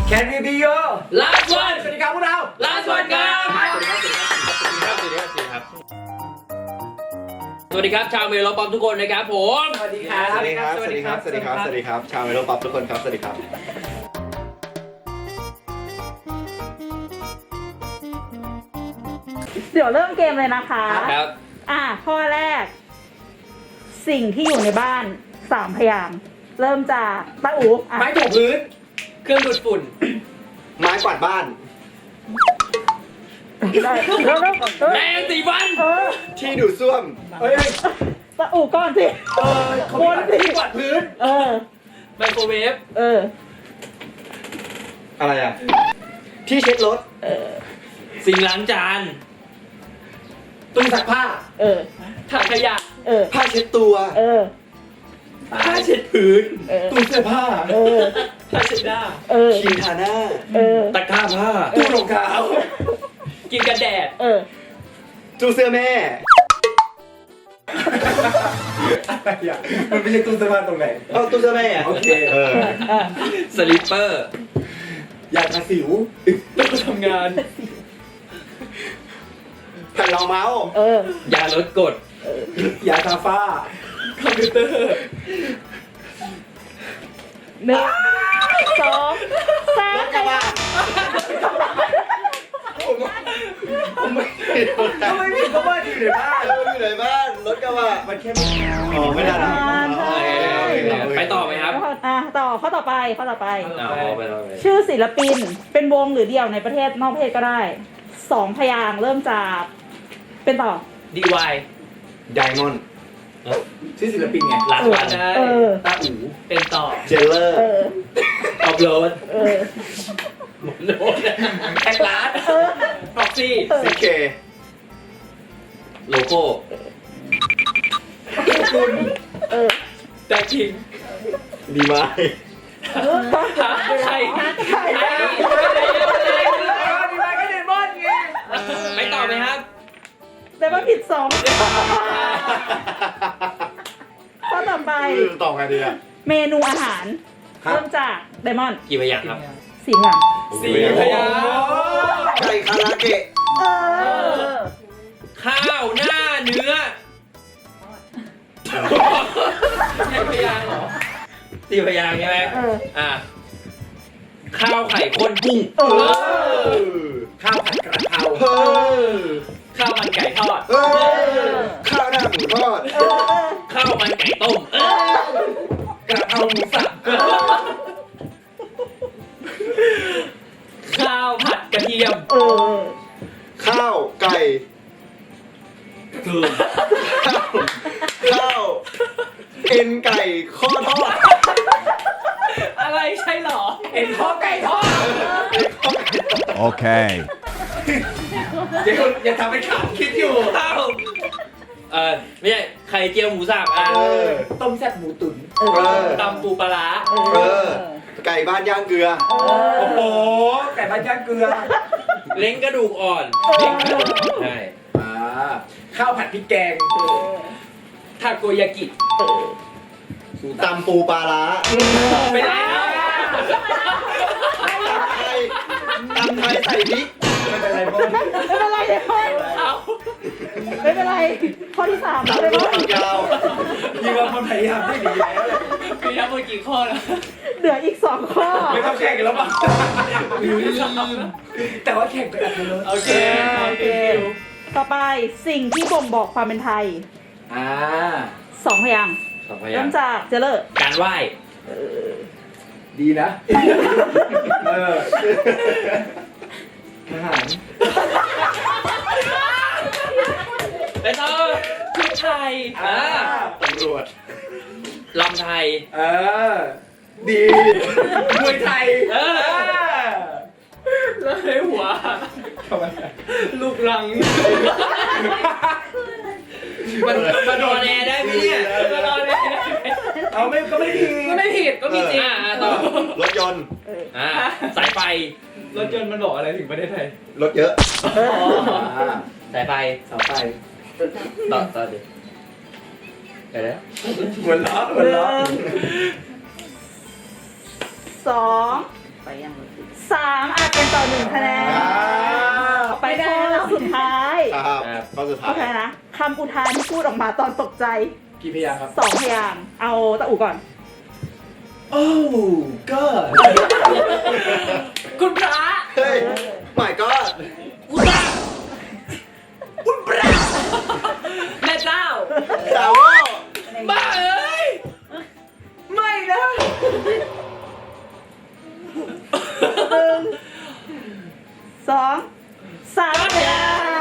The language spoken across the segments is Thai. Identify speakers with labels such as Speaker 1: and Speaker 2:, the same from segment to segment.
Speaker 1: Can we be your
Speaker 2: last one
Speaker 1: สวัสดีครับพวกเรา
Speaker 2: last one ครับสวัสดีครับชาวเมโลป๊อปทุกคนนะครับผม
Speaker 1: สวัสดีครับ
Speaker 3: สวัสดีครับ สวัสดีครับ สวัสดีครับ สวัสดีครับ ชาวเมโลป๊อปทุกคนครับ สวัสดีครับ
Speaker 4: เดี๋ยวเริ่มเกมเลยนะคะ
Speaker 2: ครับ
Speaker 4: ข้อแรก สิ่งที่อยู่ในบ้าน3 พยางค์เริ่มจากตาอู๋
Speaker 1: ไม้ถูพื้น
Speaker 2: เครื่องดูดฝุ่น
Speaker 3: ไม้กวาดบ้าน
Speaker 4: ได้แล้ว
Speaker 2: แรงสีฟัน
Speaker 3: ที่ดูดซ่วม
Speaker 1: เฮ้ย
Speaker 4: ตาอู๋ก่อนสิ
Speaker 1: เขามีที่กวาดพื้น
Speaker 2: ไมโครเวฟ
Speaker 3: อะไรอ่ะ ที่เช็ดรถ
Speaker 2: สิ่งล้างจาน
Speaker 1: ตู้ซักผ้า
Speaker 2: ถังขยะ
Speaker 3: ผ้าเช็ดตัว
Speaker 2: ผ้าเช็ดพื้น
Speaker 1: ตู้เสื้อผ้า
Speaker 2: ผ้าเช็ดหน้า
Speaker 3: ครีมทาหน้า
Speaker 2: ตะกร้าผ้า
Speaker 1: ตู้รองเท้า
Speaker 2: กินกันแดด
Speaker 3: ตู้เสื้อแม่
Speaker 1: อะไรอ่ะมันไม่ใช่ตู้เสื้อผ้าตรงไหน
Speaker 3: เอาตู้เสื้อแม่อะ
Speaker 1: โอเค
Speaker 2: สลิปเปอร์
Speaker 1: ยาทาสิว
Speaker 2: ตู้ทำงาน
Speaker 3: แผ่นรองเมาส์
Speaker 2: ยาลดกรด
Speaker 1: ยาทาฝ้า
Speaker 2: คอมพิวเตอร์
Speaker 4: 1 2 3
Speaker 3: กระบะผมไม่ผิด
Speaker 1: ทำไมพี่ก็ว่าอยู่ในบ้าน
Speaker 3: อยู่ไหนบ้านรถกระบะ
Speaker 1: มันแค่ไม่
Speaker 3: อ๋อไม่ได้นะ
Speaker 2: ไปต่อไหมครับ
Speaker 4: ต่อข้อต่อไปข้อต่อไป
Speaker 2: ไปต่อ
Speaker 4: ชื่อศิลปินเป็นวงหรือเดี่ยวในประเทศนอกประเทศก็ได้2 พยางค์เริ่มจากเป็นต่อ
Speaker 2: ดีวาย
Speaker 3: ไดมอนด์
Speaker 1: ชื่อศิลปินไง
Speaker 2: ลาสวัน
Speaker 1: ตาอู๋
Speaker 2: เป็นต่อ
Speaker 3: เจลเลอร์
Speaker 2: ออฟโหลด
Speaker 4: เออ
Speaker 2: โหลดแท็กร้านพ็อกซี่
Speaker 3: ซีเค
Speaker 2: โลโก้
Speaker 1: คุณ
Speaker 2: แจ็คคิง
Speaker 3: ดีไหม
Speaker 2: ใคร
Speaker 1: ดีมากก็เดมอนไง
Speaker 2: ไม่ตอบไหมครับ
Speaker 4: แต่ว่าผิด2 ข้อต่อไป
Speaker 3: ตอบไงดีอ่ะ
Speaker 4: เมนูอาหาร
Speaker 3: ครับ
Speaker 4: เริ่มจากไดมอนด์
Speaker 2: กี่พยางค์ครับ
Speaker 4: 4 พยางค์
Speaker 2: สี่พยางค์
Speaker 3: ไก่คาราเกะ
Speaker 2: ข้าวหน้าเนื้อใช่พยางค์เหรอสี่พยางค์ใช่ไหมข้าวไข่ข้นกุ้ง
Speaker 1: ข้าวผัดกระเพรา
Speaker 2: ข้าวมันไก่ทอด
Speaker 3: ข้าวหน้าหมูทอด
Speaker 2: ข้าวมันไก่ต้ม
Speaker 1: กระเพราหมูสับ
Speaker 2: ข้าวผัดกระเทียม
Speaker 3: ข้าวไก่
Speaker 2: คือ
Speaker 3: ข้าวเอ็นไก่ข้อทอด
Speaker 2: อะไรใช่หรอ
Speaker 1: เอ็นข้อไก่ทอด
Speaker 5: Okay.
Speaker 1: เดี๋ยวอย่าทำเป็นขำคิดอยู่
Speaker 2: ข้าวไม่ใช่ไข่เจียวหมูสับ
Speaker 1: ต้มแซ่บหมูตุ๋น
Speaker 2: ตำปูปลาร้า
Speaker 3: ไก่บ้านย่างเกลือ
Speaker 1: โอ้โหไก่บ้านย่างเกลือ
Speaker 2: เล้งกระดูกอ่อนเล้งกระดูกอ่อนใช่
Speaker 1: ข้าวผัดพริกแกง
Speaker 2: ทาโกยากิ
Speaker 3: ตำปูปลาร้า
Speaker 2: ไม่ได้นะ
Speaker 3: ตำไทยใส่พริก
Speaker 1: ไม่เป็นไรบน
Speaker 4: ไม่เป็นไรเดมอน
Speaker 2: เอา
Speaker 4: ไม่เป็นไร ข้อที่3
Speaker 3: ตำ
Speaker 4: เดม
Speaker 3: ตัว
Speaker 4: อน
Speaker 3: ฝักยาว
Speaker 1: พี่ว่ามันพยายามได้ดีแล้วเลย
Speaker 2: มีทั้งหมดกี่ข้อนะ
Speaker 4: เหลืออีก2 ข้อ
Speaker 1: ไม่ต้องแข่งกันแล้วมั้งแต่ว่าแข่งกันเลย
Speaker 2: โอเค
Speaker 4: ต่อไปสิ่งที่บ่งบอกความเป็นไทย 2 พยางค์
Speaker 2: สองพยา
Speaker 4: เริ่
Speaker 2: ง
Speaker 4: ม
Speaker 2: ค์
Speaker 4: จากเจเลอร์
Speaker 2: การไหว้
Speaker 1: ดีนะทหาร
Speaker 2: ไปต่อชุดไทย
Speaker 3: ตำรวจ
Speaker 2: ลำไทย
Speaker 1: ดีมวยไทย
Speaker 2: แล้วในหัว
Speaker 1: ทำไม
Speaker 2: ลูกรัง มันนอนแอร์ได้ไหมเนี่ยมันนอนแอร์ได้ไหม
Speaker 1: เอาไม่ก็ไม่ดี
Speaker 2: ก็ไม่ผิดก็มีจริงต่อ
Speaker 3: รถยนต์
Speaker 2: สายไฟ
Speaker 1: รถยนต์มันบอกอะไรถึงประเทศไทย
Speaker 3: รถเยอะ
Speaker 2: สายไฟ
Speaker 1: เสาไฟ
Speaker 2: ต่อดิไปแล้ว
Speaker 1: หัวล้อหัวล้อ
Speaker 4: 2
Speaker 1: ไป
Speaker 4: 3อาจเป็นต่อ1คะแนนไปข้อสุดท้าย
Speaker 3: ครับข้อสุดท้า
Speaker 4: โอย เคนะคำอุทานที่พูดออกมาตอนตกใจ
Speaker 1: กี่พยางค์ครับ
Speaker 4: 2 พยางค์เอาตะอูก่อน
Speaker 1: โอ้ก็
Speaker 2: คุณพระ
Speaker 3: เฮ้ยหมายก็
Speaker 2: อุตาคุณพระแม่เจ้า
Speaker 3: ดาวโว้
Speaker 2: บ้าเอ้ยไม่นะ
Speaker 4: 1 2 3พยางค์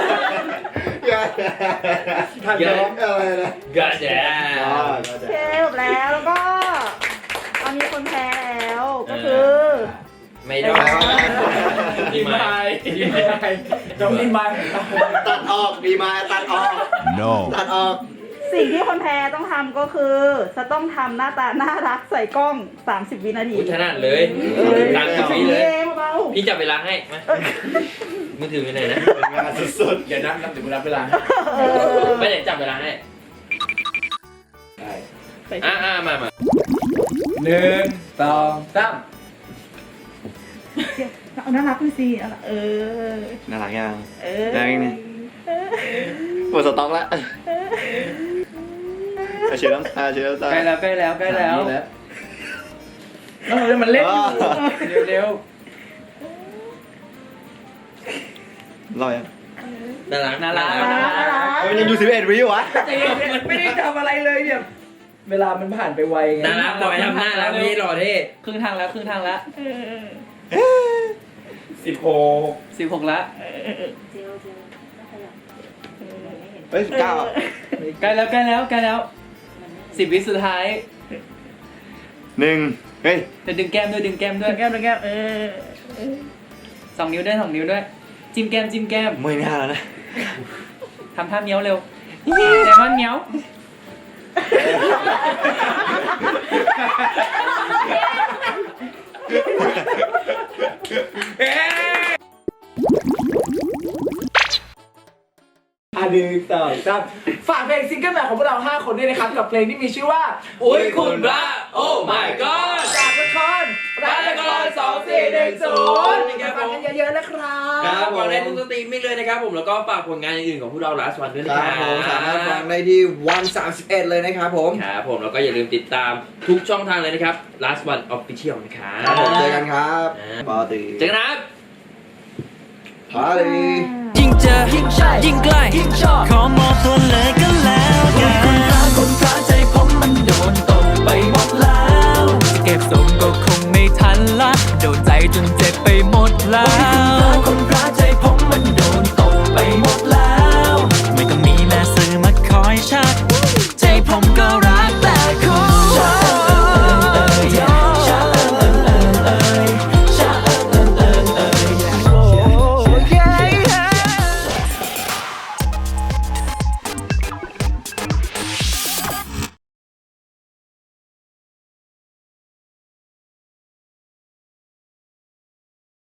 Speaker 3: ทันยอมอะไรนะ
Speaker 2: กระแจ
Speaker 4: โอเคจบแล้วแล้วก็ตอนนี้คนแพ้แล้วก็คือ
Speaker 2: ไม่ได้
Speaker 1: ดีมายดีมายจงดีมาย
Speaker 3: ตัดออกดีมาตัดออก
Speaker 5: No.
Speaker 3: ตัดออก
Speaker 4: สิ่งที่คนแพ้ต้องทำก็คือจะต้องทำหน้าตาน่ารักใส่กล้อง 30 วินาที
Speaker 2: อุ๊ยถนัดเลยตามกับพี่เลย
Speaker 4: เบา
Speaker 2: พี่จับเวลาให้มามือถือไปไหนนะ
Speaker 3: เป็นงานสุด
Speaker 1: อย่านับถึงเวลา
Speaker 4: ๆเออ
Speaker 2: ไม่ไหนจับเวลาให้
Speaker 1: ได้
Speaker 2: มา
Speaker 1: 1 2 3
Speaker 4: เอาน่ารักด้วยสิเออ
Speaker 3: ๆน่ารักยัง
Speaker 4: เออ
Speaker 3: ได้ไหมเนี่ย หมดสต็อกแล้วเชียร์น้ำตาเชียร์น้ำตา
Speaker 1: ใกล้แล้วมันเล่นอยู่เร็ว
Speaker 3: รอยัง
Speaker 2: น่ารัก
Speaker 4: น่ารัก
Speaker 3: มันยังอยู่11 วิอยู่วะ
Speaker 1: ๆไม่ได้ทำอะไรเลยเนี่ยเวลามันผ่านไปไวไง
Speaker 2: น่ารักบอยทำหน้าแล้วนี่หล่อเท่
Speaker 6: ครึ่งทางแล้ว
Speaker 1: 16
Speaker 6: ละ
Speaker 3: เฮ้ย19อ่ะ
Speaker 6: ใกล้แล้ว10 วิสุดท้าย
Speaker 3: 1เฮ้ย
Speaker 6: จะดึงแก้มด้วย
Speaker 4: ดึงแก้มเออ
Speaker 6: 2 นิ้วด้วยจิ้มแก้ม
Speaker 3: ไม่น่าแล้วนะ
Speaker 6: ทำท่าเมี้ยวเร็วเดมอนเมี้ยว
Speaker 1: 1 2 3ฝากเพลงซิงเกิลใหม่ของพวกเรา 5 คนด้วยนะครับ กับเพลงที่มีชื่อว่า
Speaker 2: อุ้ยคุณพระโอ้ my god
Speaker 1: จากละครรักละคร2410ฟังกันเยอะๆนะครับ
Speaker 2: ครับฟังได้ทุกสตรีมมิ่งเลยนะครับผมแล้วก็ฝากผลงานอื่นๆของพวกเรา Last One ด้วยนะ
Speaker 3: ค
Speaker 2: ค
Speaker 3: รั
Speaker 2: รั
Speaker 3: บบ ผมสามารถฟังได้ที่วัน31เลยนะครับผม
Speaker 2: ครับผมแล้วก็อย่าลืมติดตามทุกช่องทางเลยนะครับ Last One Official นะครับ
Speaker 3: ครับผมเจอกันครับปาร์ตี้
Speaker 2: เจอกันนะครับ
Speaker 3: ปาร์ตี้
Speaker 7: ยิ่งเจอยิ่งใกล้ขอมอบตัวเลยก็แล้วกันคุณพระใจผมมันโดน